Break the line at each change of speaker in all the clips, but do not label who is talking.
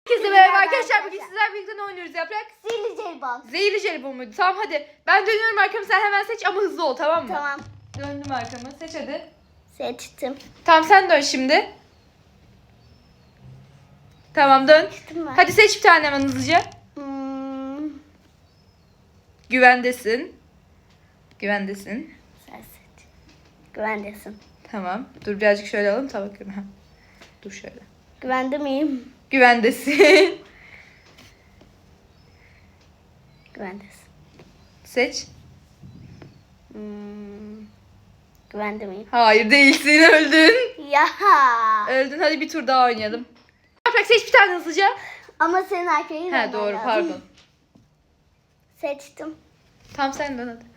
Herkese merhaba arkadaşlar. Bugün sizler birlikte ne oynuyoruz Yaprak?
Zehirli jelibon.
Zehirli jelibon muydu? Tamam hadi. Ben dönüyorum arkamı, sen hemen seç ama hızlı ol, tamam mı?
Tamam.
Döndüm arkamı. Seç hadi.
Seçtim.
Tamam sen dön şimdi. Tamam dön.
Seçtim ben.
Hadi seç bir tane hemen hızlıca. Güvendesin. Güvendesin.
Sen seç. Güvendesin.
Tamam. Dur birazcık şöyle alalım. Tamam. Dur şöyle.
Güvende miyim?
Güvendesin.
Güvendesin.
Seç.
Güvende miyim?
Hayır değilsin, öldün.
Ya.
Öldün, hadi bir tur daha oynayalım. Yaprak seç bir tane hızlıca.
Ama senin arkayı
He
vermen
doğru,
lazım.
pardon.
Seçtim.
Tamam sen dön hadi.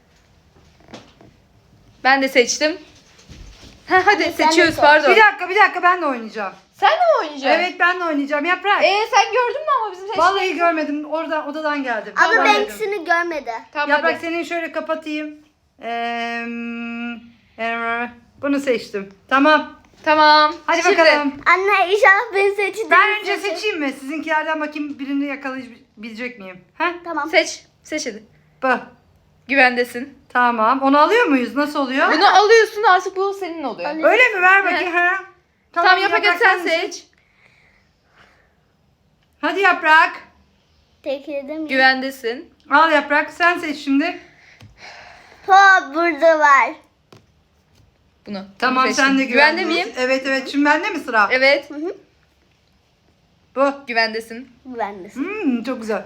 Ben de seçtim. Ha, hadi
Sen de
seçiyoruz,
seç.
pardon.
Bir dakika ben de oynayacağım.
Sen de mi oynayacaksın?
Evet ben de oynayacağım. Yaprak.
Sen gördün mü ama bizim seçtiğimiz?
Vallahi görmedim. Oradan odadan geldim.
Ama
Görmedim.
Banks'ini görmedi.
Tamam
Yaprak
hadi.
senin şöyle kapatayım. Bunu seçtim. Tamam.
Tamam.
Hadi
Şimdi,
bakalım.
Anne inşallah beni seçti.
Ben önce seçeyim mi? Sizinkilerden bakayım birini yakalayabilecek miyim? He?
Tamam.
Seç. Seç hadi.
Bu.
Güvendesin.
Tamam. Onu alıyor muyuz? Nasıl oluyor?
Bunu alıyorsun, artık bu senin oluyor.
Alıyorum.
Öyle mi? Ver bakayım. Ha.
Tamam Yaprak hadi sen
misin?
seç.
Hadi Yaprak.
Tekledim.
Güvendesin.
Al Yaprak. Sen seç şimdi.
Burada var.
Bunu.
Tamam
Bunu
sen de
seçtim. Güvende
güvendesin.
miyim?
Evet. Şimdi bende mi sıra?
Evet.
Bu.
Güvendesin.
Güvendesin.
Çok güzel.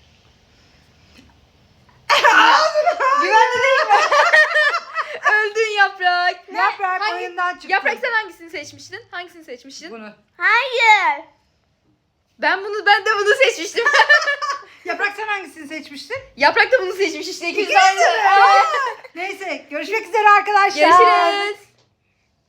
Güvende değil mi? Öldün Yaprak.
Yaprak
Hangi-
oyundan çıktı.
Yaprak sen hangisini seçmiştin? Hangisini seçmiştin?
Bunu.
Hayır.
Ben de bunu seçmiştim.
Yaprak sen hangisini seçmiştin?
Yaprak da bunu seçmiş işte. İkimiz
İkiniz
aynı.
de mi? Neyse görüşmek üzere arkadaşlar.
Görüşürüz.